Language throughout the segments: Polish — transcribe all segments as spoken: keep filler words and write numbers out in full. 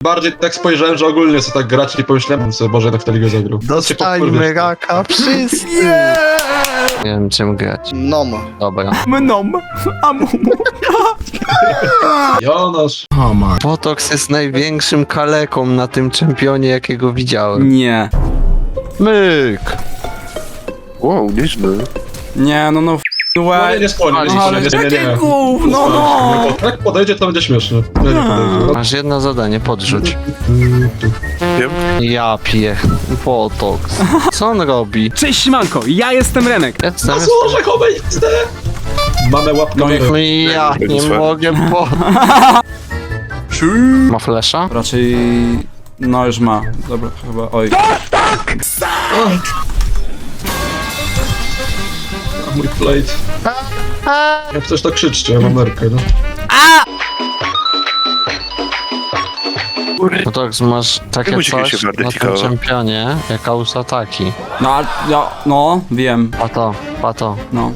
Bardziej tak spojrzałem, że ogólnie co tak grać i pomyślałem sobie, Boże, jednak w tę ligę zagrał. Dostańmy raka wszyscy! Nie wiem czym grać. Nom. Dobra. Mnom. Amumu. Jonasz. Botox jest największym kaleką na tym czempionie, jakiego widziałem. Nie. Myk! Wow, nieźle. Nie, no no f*** No nie, nie spłonię, nie, Ale nie, nie, nie, nie. jakie gówno, no! Jak podejdzie, to będzie śmieszne. Nie, nie podejdzie. Masz jedno zadanie, podrzuć. Wiem. Ja piję. Botox. Co on robi? Cześć Manko, ja jestem Remek. Jestem, A jestem. złożę X D! Mamy łapkę. No i No i ja nie mogę, bo... Ma flesza? Raczej... No już ma. Dobra, chyba... Oj. Mój plate. Jak coś to krzyczcie, ja mam nerkę, no. Botox, masz takie Czemu ci coś się na bardziej tym ciekawe? czempionie, jak Ausataki. No, a- ja... No, wiem. Pato, pato. No.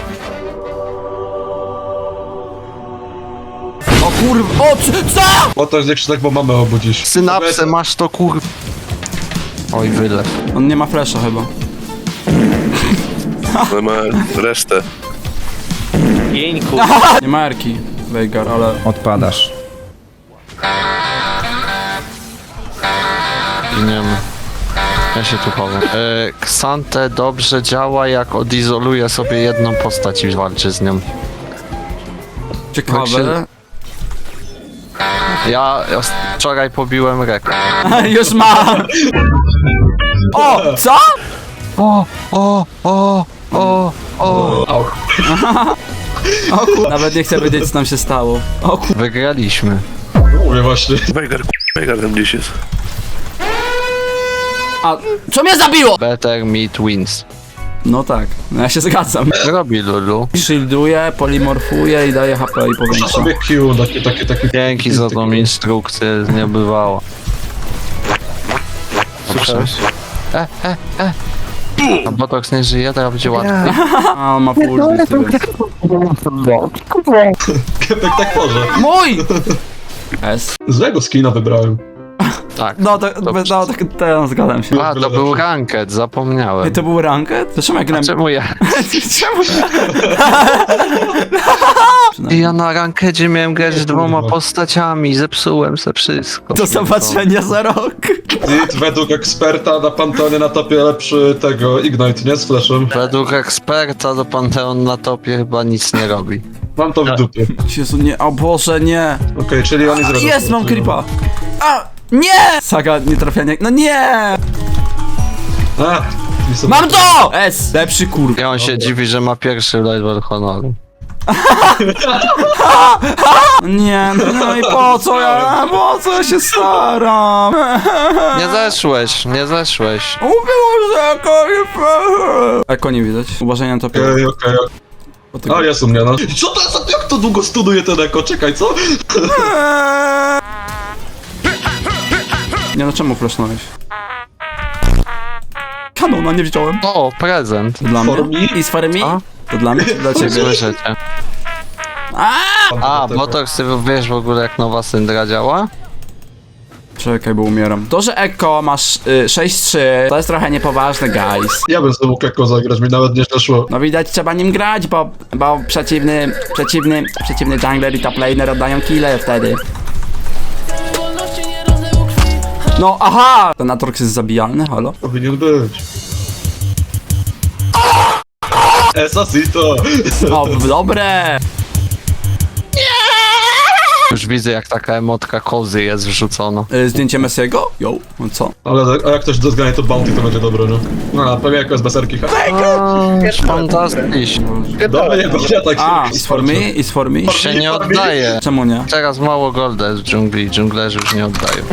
O kurwa... O, c- co?! Bo to jest jak się tak, bo mamy obudzić. Synapsę masz to kur... Oj, wylew. On nie ma flasha chyba. Ale ma resztę. Nie ma erki, Veigar, ale... Odpadasz. Giniemy. Ja się tu chowam. E, Xante dobrze działa, jak odizoluje sobie jedną postać i walczy z nią. Ciekawe. się- Ja wczoraj pobiłem rekord. Już ma! O! Co?! O, o, o, o, o. Au. O kur... Nawet nie chcę wiedzieć co nam się stało. O kur... Wygraliśmy. No mówię właśnie. Wejgar, Wejgar tam gdzieś jest. A... Co mnie zabiło?! Better meat wins. No tak, no ja się zgadzam. Robi Lulu. Shielduje, polimorfuje i daje H P i Muszę powiększa. sobie Q, takie, takie, takie... Dzięki za tą instrukcję, nie bywało. Słyszałeś? E, e, e. A Botox nie żyje, teraz będzie łatwiej. A, on ma full bity, więc... Kepek tak może. Mój! S. Złego skina wybrałem. Tak. No, to, no, no, tak, teraz zgadzam się. A, to był ranked, zapomniałem. Ej, to był ranked? To czemu jak A nam... czemu ja? Czemu? Ja na rankedzie miałem grać z dwoma postaciami, zepsułem se wszystko. Do zobaczenia za rok. Zid według eksperta na Panteonie na topie lepszy tego Ignite, nie? Z flashem. Według eksperta do Panteon na topie chyba nic nie robi. Mam to w dupie. Jezu, nie, o Boże, nie. Okej, czyli on jest Jest, mam creepa. A, nie! Saga, nie trafianie. No nie! A, i sobie- Mam to! S, lepszy kur... I on się dziwi, że ma pierwszy level honoru. Nie, no, no i po co ja, po co ja się staram? Nie zeszłeś, nie zeszłeś. Mówiło, że eko nie... Eko nie widać. Uważaj na to. Okej, okej, okej. A, jest u mnie, no. I co to jest? Jak to długo studuje ten eko? Czekaj, co? Nie no, czemu flashnąłeś? Kanona nie wziąłem. O, prezent. Dla For mnie? me? I z farmi? A? To dla mnie czy dla ciebie? Słyszycie. A, Botox, ty wiesz w ogóle jak nowa syndra działa? Czekaj, bo umieram. To, że Eko masz y, sześć trzy, to jest trochę niepoważne, guys. Ja bym sobie mógł eko zagrać, mi nawet nie szło. No widać, trzeba nim grać, bo, bo przeciwny, przeciwny, przeciwny jungler i top laner oddają kille wtedy. No, aha! Ten Atrox jest zabijalny, halo? Powinien być. Esasito! O, dobre! Już widzę jak taka emotka kozy jest wrzucona. Y, zdjęcie Messiego? Jo, no co? Ale a jak ktoś dozgania to bounty, to będzie dobre, no. No, pewnie jako jest beserki. Fantastycznie. Dobra, nie, bo ja tak A, się... is for me, is for me? Się nie oddaje. Czemu nie? Teraz mało golda jest w dżungli, dżunglerzy już nie oddają.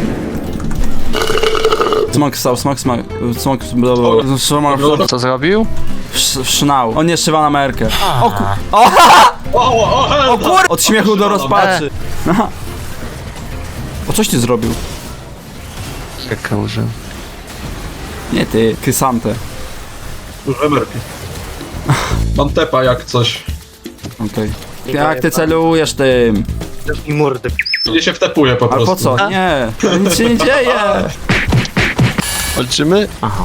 Smok stał, smok, smok, smok, blablabla. Smok, Co zrobił? sznał. On nie szywa na merkę. O kur... O, O, o, o, o kur... Od śmiechu do rozpaczy. Aha. O, coś ty zrobił? Jaka użył. Nie ty, Krysantę. Duże merki. Mam tepa jak coś. Okej. Jak ty celujesz tym? I mordę. Nie się wtepuje po Ale prostu. po co? Nie, nic się nie dzieje. Walczymy? Aha.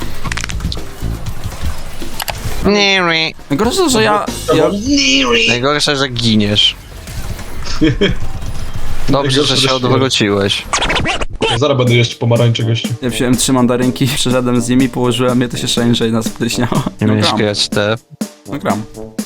Nie, nie. Najgorsze, że ja... ja... Najgorsze, że giniesz. Dobrze, Najgorsze, że że się śmierć. odwróciłeś. Zaraz będę jeść pomarańcze, gościu. Ja wziąłem trzy mandarynki, przyszedłem z nimi, położyłem je, to się szczęście i nas pryśniało. Nie No miałeś gram, grać te... no gram.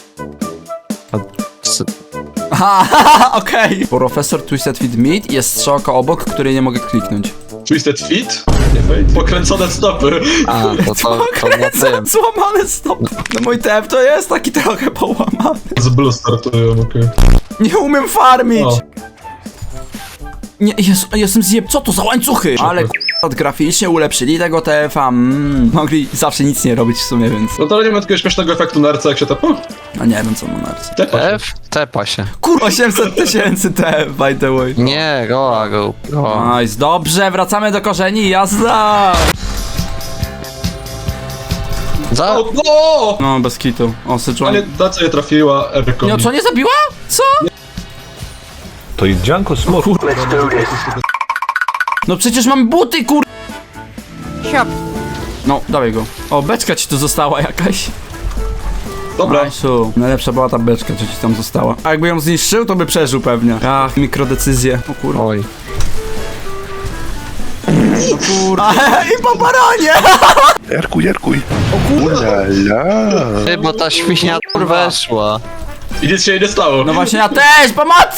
s- Aha, okej. Profesor Twisted Fit Meat jest strzałka obok, której nie mogę kliknąć. Twisted feet? Nie fate. Pokręcone stopy. A, to to, to na tym. Złamany stop. No mój tep to jest taki trochę połamany. Z blue startują, okej. Nie umiem farmić. O. Nie, Jezu, jestem zjeb... Co to za łańcuchy? Ale k***a, graficznie ulepszyli tego T F a. Mm, mogli zawsze nic nie robić w sumie, więc... No to nie ma takiego śmiesznego efektu nerca, jak się tepa? No nie wiem co ma na ręce. Tepa się. F? Tepa się. Kurwa, osiemset tysięcy T F, by the way. Nie, goa, go. go. Nice, dobrze, wracamy do korzeni, jazda! Za... O, no! No, bez kitu. O, Sejuani. Ale ta co je trafiła, Erko. Nie, co, nie zabiła? Co? To Janko Smok. No przecież mam buty, kur... No, dawaj go. O, beczka ci tu została jakaś. Dobra. Nice'u. Najlepsza była ta beczka, co ci tam została. A jakby ją zniszczył, to by przeżył pewnie. Ach, mikrodecyzje. O kurwa. Oj. O kurwa. I po baronie! Jarkuj, jarkuj. O kurwa. La, Ty, bo ta świnia weszła. I nic się nie stało. No właśnie, ja też! Pomocy!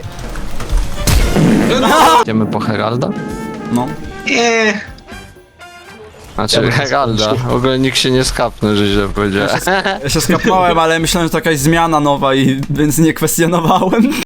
Idziemy po Heralda? No. Nie. Znaczy Ja bym Heralda. W ogóle nikt się nie skapnął, że źle powiedziałem. Ja się skapnąłem, ale myślałem, że to jakaś zmiana nowa i więc nie kwestionowałem.